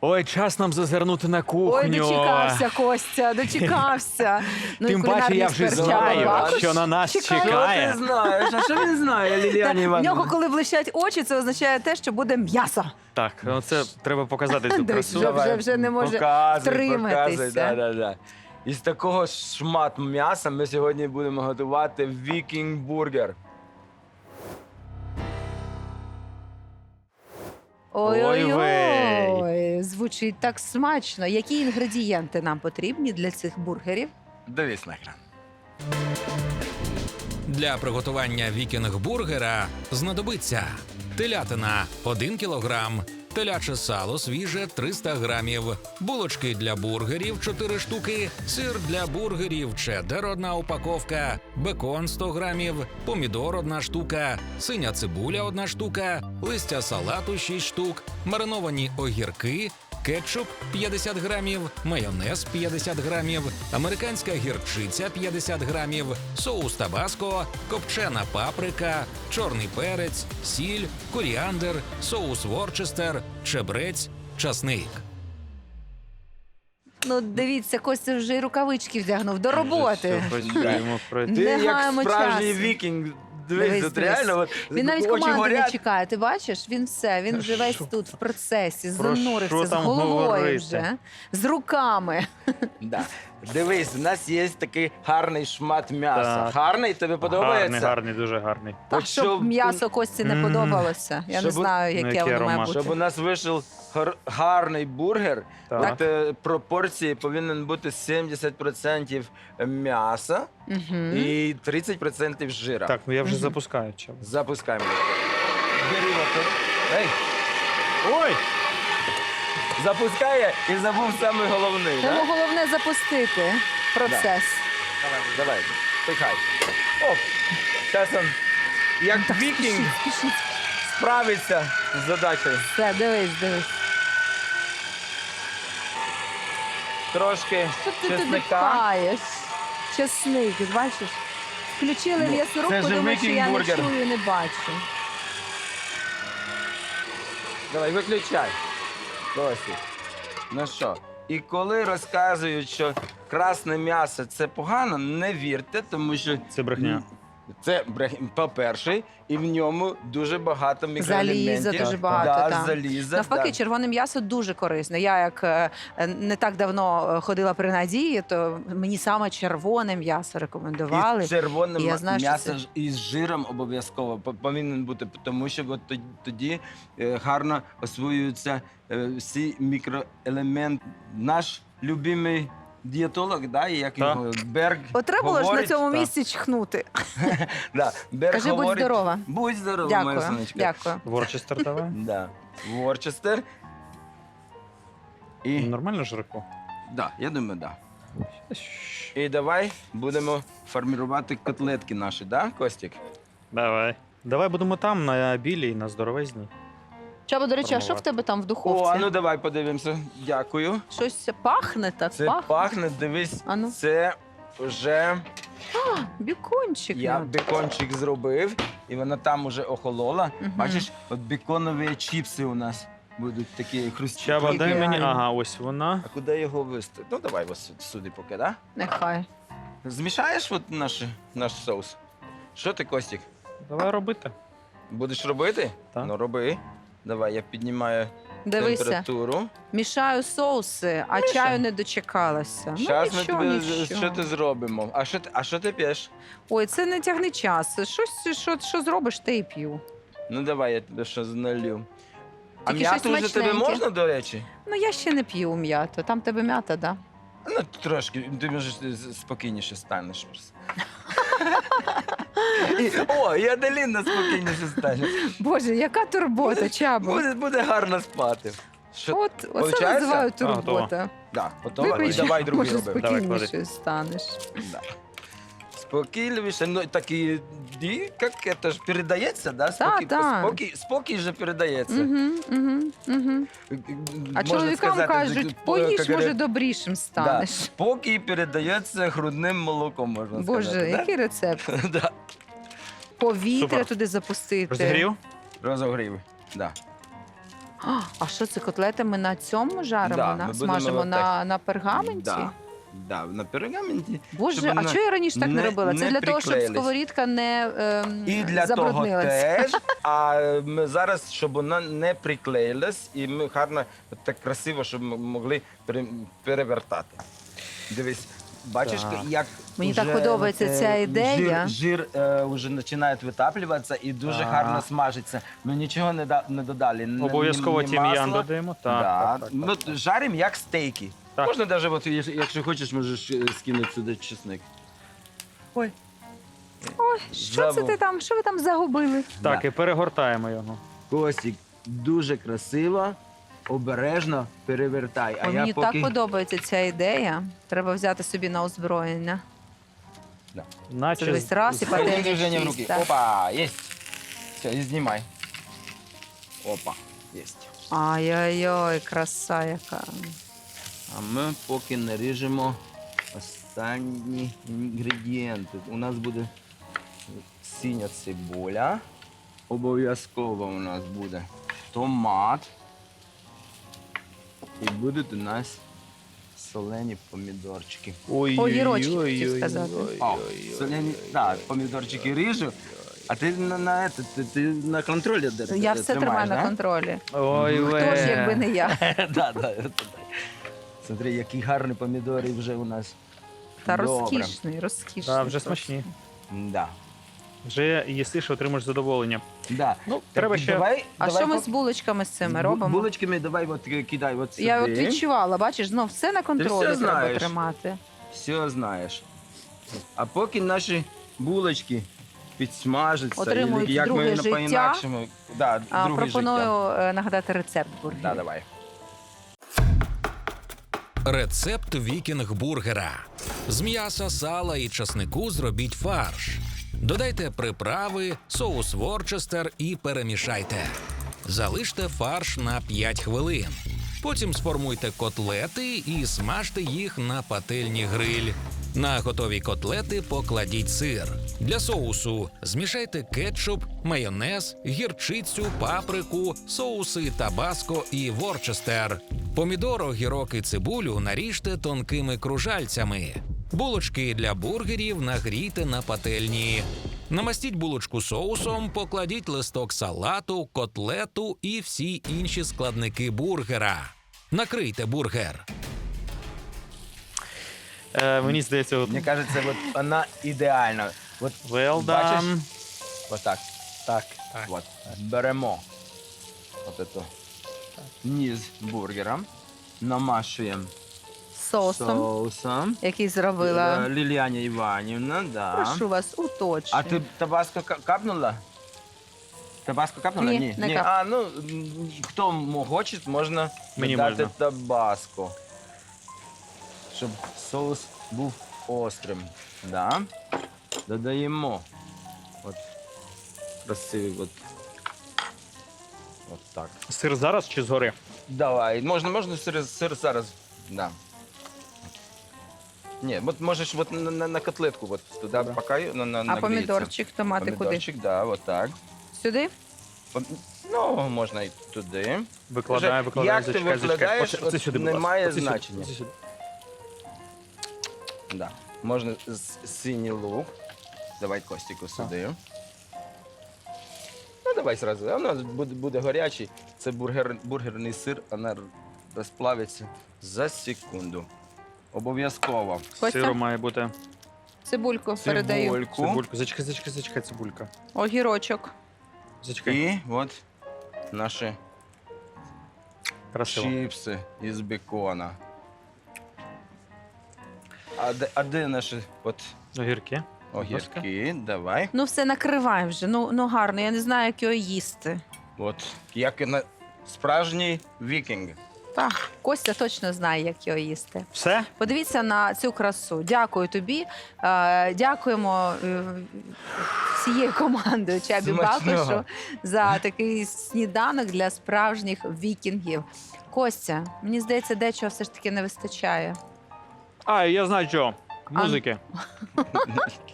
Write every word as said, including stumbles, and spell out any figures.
Ой, час нам зазирнути на кухню. Ой, дочекався, Костя, дочекався. Ну, і Тим паче, кулінарний я вже експерт знаю, Чаба Бакуш що на нас чекає. чекає. Що ти знаєш? А що він знає, Та, Ліліані в Іванівна? нього, коли блищать очі, це означає те, що буде м'ясо. Так, ну це треба показати цю Дивись, красу. вже, вже, вже не може Показуй, втриматися. показуй, да, да, да. Із такого шмат м'яса ми сьогодні будемо готувати вікінг-бургер. Ой-ой-ой, звучить так смачно. Які інгредієнти нам потрібні для цих бургерів? Дивись на екран. Для приготування вікінг-бургера знадобиться телятина – один кілограм, теляче сало свіже – триста грамів, булочки для бургерів – чотири штуки, сир для бургерів чеддер – одна упаковка, бекон – сто грамів, помідор – одна штука, синя цибуля – одна штука, листя салату – шість штук, мариновані огірки, кетчуп п'ятдесят грамів, майонез п'ятдесят грамів, американська гірчиця п'ятдесят грамів, соус табаско, копчена паприка, чорний перець, сіль, коріандр, соус ворчестер, чебрець, часник. Ну, дивіться, Костя вже й рукавички вдягнув до роботи. Все, почуємо про Не Ти як гаємо справжній часу. вікінг. Дивись, Дивись, тут дивись. реально от, Він навіть очі команди не горять. чекає. Ти бачиш? Він все, він вже весь Що? тут в процесі, Про занурився що з там головою говорити? вже, з руками. Да. Дивись, у нас є такий гарний шмат м'яса. Так. Гарний, тобі подобається? Гарний, гарний, дуже гарний. Так, От щоб щоб- м'ясо Кості не Мгм. подобалося. Я не Щоб- знаю, Ну, яке який воно має аромат. бути. Щоб у нас вийшов гар- гарний бургер, Так. от, е, пропорції повинен бути сімдесят відсотків м'яса Мгм. і тридцять відсотків жира. Так, ну я вже запускаю. Чаба. Запускаємо. Бери мотор. Ей, Ой! запускає і забув саме головний. Тому Да? головне запустити процес. Давай, пихай. Оп, зараз він, як вікінг, Спішіть, спішіть. справиться з задачею. Все, дивись, дивись. Трошки Що ти туди чесника. пхаєш? Чесник, бачиш? Включили Ну, м'ясорубку, це ж думаю, що я не вікінг-бургер. чую, не бачу. Давай, виключай. Досі. Ну що? І коли розказують, що красне м'ясо це погано, не вірте, тому що Це брехня. це брехня, по-перше, і в ньому дуже багато мікроелементів. Заліза дуже багато, Да, так. заліза, Навпаки, да. червоне м'ясо дуже корисне. Я як е, не так давно е, ходила при Надії, то мені саме червоне м'ясо рекомендували. І червоне І я м- знаю, що м'ясо це- ж із жиром обов'язково по- повинен бути, тому що от тоді, тоді е, гарно освоюються е, всі мікроелементи. Наш любимий дієтолог, да, і як Так. його Берг От треба було ж на говорить, цьому так. місці чхнути. да, Берг Кажи, будь говорить, здорова. Будь здорова, моя Дякую, сонечка. дякую. Ворчестер давай. Да. Ворчестер. І, Нормально жарко? да, я думаю, да. І давай будемо формувати котлетки наші, да, Костік? Давай. Давай будемо там, на білій, на здоровезній. Чаба, до речі, а що в Формувати. тебе там в О, духовці? а ну давай подивимося. Дякую. Щось пахне так, Це пахне. пахне, дивись, А ну. це вже Бікончик. я ну. бекончик зробив, і вона там уже охолола. Мгм. Бачиш, от беконові чіпси у нас будуть такі хрусткі. Чаба, дай Ідеально. мені. Ага, ось вона. А куди його вести? Ну давай ось сюди поки, да? Нехай. Змішаєш от наш, наш соус? Що ти, Костік, Давай робити. будеш робити? Так. Ну роби. Давай, я піднімаю Дивися, температуру. мішаю соуси, а чаю не дочекалася. Зараз ну, ми нічого, тобі нічого. що ти зробимо. А що ти, а що ти п'єш? Ой, це не тягни час. Щось, що, що зробиш, те і п'ю. Ну давай, я тебе щось налью. А Тільки щось м'яту вже тобі смачненьке. можна, до речі? Ну, я ще не п'ю м'яту. Там тебе м'ята, да? Ну, трошки, ти може спокійніше станеш. просто. І- О, і Аделіна спокійніше стане. Боже, яка турбота, Чабо. Буде, буде гарно спати. Що? От, оце Получається? називаю А, готово. турбота. Да, готова? І Вибач, давай другий може, робимо. Давай, спокійніше станеш. Да. Спокійніше, ну такі, і, як це ж передається, да? Спокій, та. спокій, спокій же передається. Угу, угу, угу. А Можна чоловікам сказати, кажуть, так, поїж, як може, говорять, добрішим да, станеш. спокій передається грудним молоком, можна Боже, сказати. який рецепт? Да? Да. Повітря Супер. туди запустити. Розігрів? Розогрів. Да. А, а що це, котлети ми на цьому жаримо? Да, на, ми будемо смажимо отак. на, на пергаменті? Да, да, на пергаменті. Боже, щоб а вона чого я раніше так не, не- робила? Це не для того, щоб приклеїлись. сковорідка не ем, І для того забруднилась. теж, а ми зараз, щоб вона не приклеїлась, і ми гарно, так красиво, щоб ми могли пере- перевертати. Дивись, бачиш, Так. як Мені уже, так подобається е, ця ідея. Жир, жир е, вже починає витаплюватися і дуже Так. гарно смажиться. Ми нічого не, да, не додали. ні- Обов'язково ні тім'ян масла. додаємо. Так, Да. так, так, так, Ми так. жаримо як стейки. Так. Можна навіть, от, якщо- якщо хочеш, можеш е, скинути сюди чесник. Ой. Ой, що це Забув. ти там? Що ви там загубили? Так, Да. і перегортаємо його. Костік, дуже красиво, обережно перевертай. А Ой, я мені поки... так подобається ця ідея. Треба взяти собі на озброєння. Наче Це весь раз і Один пательня движення в руки. чиста. Опа, есть. Все, і знімай. Опа, есть. Ай-яй-яй, краса яка. А ми поки наріжемо останні інгредієнти. У нас буде синя цибуля. Обов'язково у нас буде томат. І будуть у нас солені помідорчики. Ой, Огірочки, хотів сказати. О, солені, так, помідорчики ріжу. А ти на, на, это, ти, ти на контролі де Я все тримаю тримаєш, на да? контролі. Ой, Хто ж, якби не я? да, да, это да. Смотри, які гарні помідори вже у нас. Та Добре. розкішний, розкішний. Так, вже просто. смачні. Да. Вже їсиш, отримаєш задоволення. Да. Ну, Так, треба ще- Давай, А давай що ми по- з булочками з цими бу- робимо? Булочками давай от ки- кидай от сюди. Я от відчувала, бачиш, знов все на контролі все треба знаєш. тримати. Все знаєш. А поки наші булочки підсмажаться, Отримують і як друге ми життя. по-інакшому. Да, А, друге пропоную життя. е, нагадати рецепт бургерів. Да, давай. Рецепт вікінг-бургера. З м'яса, сала і часнику зробіть фарш. Додайте приправи, соус Ворчестер і перемішайте. Залиште фарш на п'ять хвилин. Потім сформуйте котлети і смажте їх на пательні гриль. На готові котлети покладіть сир. Для соусу змішайте кетчуп, майонез, гірчицю, паприку, соуси табаско і ворчестер. Помідор, огірок і цибулю наріжте тонкими кружальцями. Булочки для бургерів нагрійте на пательні. Намастіть булочку соусом, покладіть листок салату, котлету і всі інші складники бургера. Накрийте бургер. Е, мені здається, от... Мені кажеться, от вона ідеальна. От, well бачиш? done. Отак. Так, так. От. Беремо от это низ бургера, намашуємо Соусом, соусом. який зробила. Е, Ліліаня Іванівна, да. Прошу вас, уточнюю. А ти табаско ка- капнула? Табаско капнула? Ні, не Ні. кап. А, ну, м, хто м- хоче, можна Мені додати можна. табаско. Щоб соус був острим. Да. Додаємо. От. Красивий, от. От так. Сир зараз чи згори? Давай, можна, можна сир, сир зараз. Да. Ні, от можеш от на, на, на котлетку от туди Добре. поки на, на, А нагріється. помідорчик, томати куди? Помідорчик, да, от так. Сюди? Пом- Ну, можна і туди. Викладаю, Вже викладаю. як ти зачекай, зачекай. викладаєш, Оце- оце от сюди, будь ласка. немає Оце сюди, значення. оце сюди. Да. Можна з- синій лук. Давай Костіку сюди. Ну, давай зразу. А у нас буде, буде гарячий. Це бургер, бургерний сир, вона розплавиться за секунду. Обов'язково. Костя? Сиру має бути. Цибульку передаю. Цибульку. Цибульку. Зачекай, зачекай, зачекай, цибулька. Огірочок. Зачекай. І от наші Красиво. чіпси із бекона. А де, а де наші от Огірки. огірки? Давай. Ну все, накривай вже. Ну, ну гарно, я не знаю, як його їсти. От як і на справжній вікінг. Так, Костя точно знає, як його їсти. Все? Подивіться на цю красу. Дякую тобі. Е, Дякуємо е, всією командою Чабі Смачного. Бакушу за такий сніданок для справжніх вікінгів. Костя, мені здається, дечого все ж таки не вистачає. А, я знаю що. Музики.